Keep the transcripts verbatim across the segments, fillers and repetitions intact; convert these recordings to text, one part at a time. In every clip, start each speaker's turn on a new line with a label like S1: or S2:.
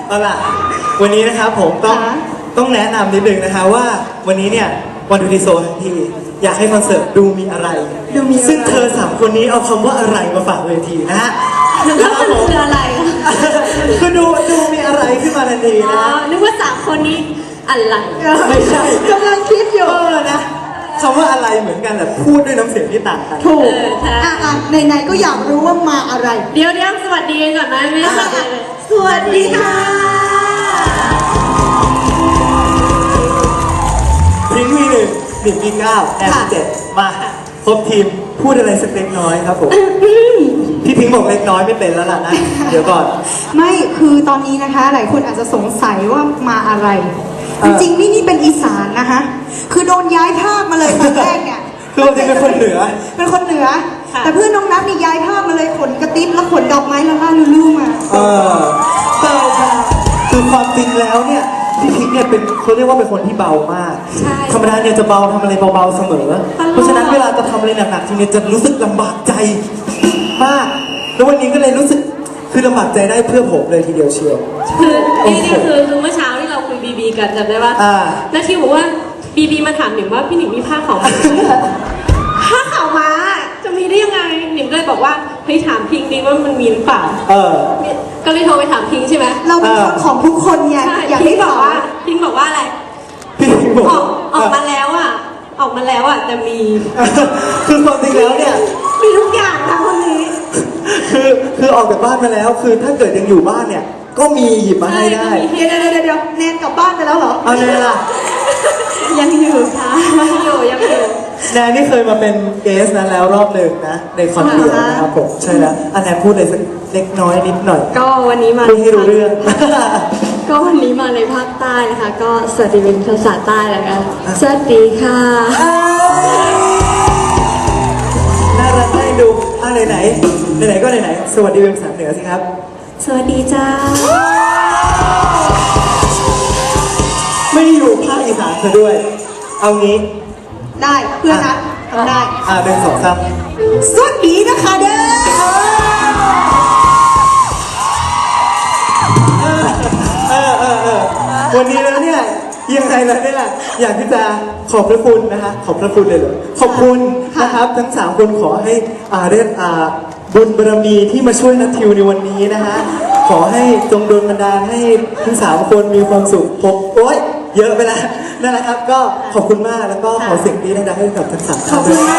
S1: เอาล่ะวันนี้นะครับผมต้องต้องแนะนำนิดนึงนะคะว่าวันนี้เนี่ยวันดูดีโซทั้งทีอยากให้คอนเสิร์ตดูมีอะไรดูมีซึ่งเธอสามคนนี้เอาคำว่าอะไรมาฝากเวทีนะฮะ
S2: แล้วมันคืออะไร
S1: คือดูดูมีอะไรขึ้นมาทันทีนะ
S2: นึกว่าสามคนนี้อะไร
S1: ไม่ใช่
S3: กำลังคิดอยู่
S1: นะคำว่าอะไรเหมือนกันแต่พูดด้วยน้ำเสียงที่ต่างกัน
S3: ถูกอ่ะอ่ะไหนๆก็อยากรู้ว่ามาอะไร
S2: เดี๋ยวเดี๋ยวสวัสดีก่อนนะไม่ใช่
S3: สวัสดีค่ะ
S1: พริ้งวีหนึ่งดิบวีเก้าแอมเจ็ดมาครบทีมพูดอะไรสักเล็กน้อยครับผมพี่พิงบอกเล็กน้อยไม่เป็นแล้วล่ะนะเดี๋ยวก่อน
S3: ไม่คือตอนนี้นะคะหลายคนอาจจะสงสัยว่ามาอะไรจริงๆนี่นี่เป็นอีสานนะคะคือโดนย้ายภาคมาเลยตอนแรกเนี่ย
S1: คือจริงเป็นคนเหนือ
S3: เป็นคนเหนือแต่เพื่อนน้องนัทนี่ย้ายภาคมาเลยขนกระติ๊บแล้วขนดอกไม้ละล่าลุลู่มา
S1: เออเบาค่ะคือความจริงแล้วเนี่ยพี่พิงเนี่ยเป็นเขาเรียกว่าเป็นคนที่เบามากธรรมดาเนี่ยจะเบาทำอะไรเบาๆเสมอเพราะฉะนั้นเวลาจะทำอะไรหนักๆทีนี้จะรู้สึกลำบากใจมากแล้ววันนี้ก็เลยรู้สึกคือลำบากใจได้เพื่อผมเลยทีเดียวเชียว
S2: คือนี่นี่คือคือเมื่อเช้าที่เราคุยบีบีกันจำได้ปะแล้วที่บอกว่าบีบีมาถามหนิมว่าพี่หนิมมีผ้าขาวม้าผ้าขาวม้าจะมีได้ยังไงหนิมเลยบอกว่าเฮ้ยถามพิงดีว่ามันมีหรือเปล่า
S1: เออ
S2: ก็เลยโทรไปถามพิงใช่ไหม
S3: เราเป็นคนของทุกคนไง
S2: อยากให้บอกว่าพิงบอกว่าอะไร
S1: พิงบอก
S2: ออกออกมาแล้วอ่ะออกมาแล้วอ่ะจะมี
S1: คือความจริงแล้วเนี่ย
S2: มีทุกอย่างค่ะคนนี้
S1: คือคือออกจากบ้านมาแล้วคือถ้าเกิดยังอยู่บ้านเนี่ยก็มีหยิบมาให้ได้
S3: เดี๋ยวเดี๋ยวเดี๋ยวแนนกลับบ้านไปแล้วเหรอ
S1: เอาแนนล่ะ
S2: ยังอยู่ค่ะยังอยู่ยังอยู่
S1: แนนนี่เคยมาเป็นเกสนั้นแล้วรอบหนึ่งนะในคอนเสิร์ตนะครับผมใช่แล้วอันแนนพูดเลยสักเล็กน้อยนิดหน่อย
S2: ก็วันนี้มา
S1: พูดให้รู้เรื่อง
S2: ก็วันนี้มาในภาคใต้นะคะก็สวัสดีเป็นภาษาใต้แล้วกันสวัสดีค่ะ
S1: น่ารักให้ดูอ่ะไหนไหนไหนก็ไหนไหนสวัสดีเป็นภาษาเหนือสิครับ
S2: สวัสดีจ้า
S1: ไม่ได้อยู่ภาคอีสานเธอด้วยเอางี้
S3: ได้เพื่อนนะทำได้
S1: อ่าเดินสองซ้
S3: ำสวัสดีนะคะเด้อ
S1: เออเออเออวันนี้แล้วเนี่ยยังไงแล้วเนี่ยอยากที่จะขอบพระคุณนะคะขอบพระคุณเลยเหรอขอบคุณนะครับทั้งสามคนขอให้อ่าเรียกอ่าบุญบารมีที่มาช่วยนัททิวในวันนี้นะฮะขอให้จงโดนบันดาลให้ทั้งสามคนมีความสุขผมโอ๊ยเยอะไปแล้วนั่นแหละครับก็ขอบคุณมากแล้วก็ขอเสียงดีดังๆให้กับทั้งสามท่านด้วย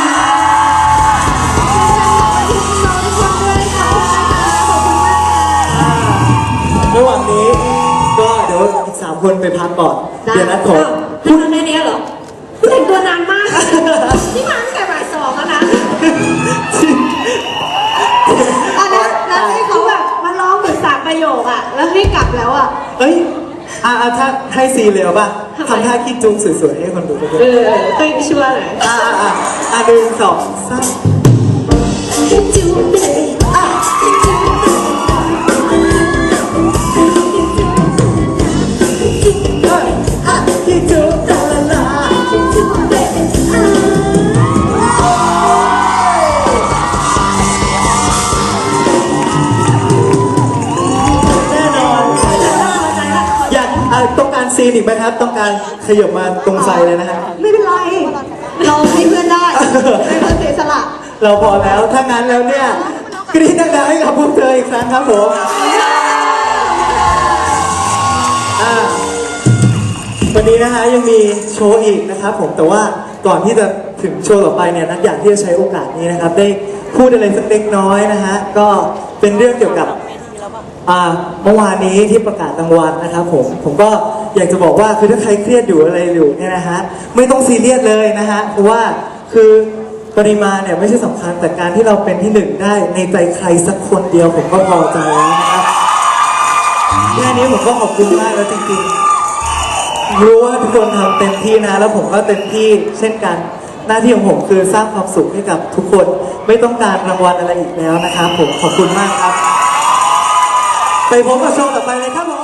S1: ระหว่างนี้ก็เดี๋ยวอีกสามคนไปพักก่อนเดี๋ยวนัดขอ
S2: พูดในนี้เหรอแต่งตัวนานมากที่มาตั้งแต่บ่ายสองแล้วนะ
S3: อันนั้นแล้วให้เขาแบบมาร้องเหมือนสามประโยคอะแล้วให้กลับแล้วอะ
S1: เอ้ยอ่าถ้าให้ซีเรียลป่ะทำท่าคิดจุงสวยๆให้คนดูด้วย
S2: เออต้องช่วยหน่อย
S1: อ่าอ่าอ่าหนึ่งสองสามจุงเลยอ่ะต้องการซีนอีกไหมครับต้องการขยับมาตรงไซเลยนะฮะ
S3: ไม่เป็นไรเราให้เพื่อนได้ให้เพื่อนเสียสละ
S1: เราพอแล้วถ้างั้นแล้วเนี่ยกรี๊ดดังๆให้กับพวกเธออีกครั้งครับผมวันนี้นะคะยังมีโชว์อีกนะครับผมแต่ว่าก่อนที่จะถึงโชว์ต่อไปเนี่ยนัทอยากที่จะใช้โอกาสนี้นะครับได้พูดอะไรสักเล็กน้อยนะฮะก็เป็นเรื่องเกี่ยวกับเมื่อวานนี้ที่ประกาศรางวัลนะครับผมผมก็อยากจะบอกว่าคือถ้าใครเครียดอยู่อะไรอยู่เนี่ยนะฮะไม่ต้องซีเรียสเลยนะฮะเพราะว่าคือปริมาณเนี่ยไม่ใช่สำคัญแต่การที่เราเป็นที่หนึ่งได้ในใจใครสักคนเดียวผมก็พอใจแล้วนะครับแค่นี้ผมก็ขอบคุณมากแล้วจริงๆรู้ว่าทุกคนทำเต็มที่นะแล้วผมก็เต็มที่เช่นกันหน้าที่ของผมคือสร้างความสุขให้กับทุกคนไม่ต้องการรางวัลอะไรอีกแล้วนะครับผมขอบคุณมากครับไปพบกับโชว์ต่อไปเลยครับผม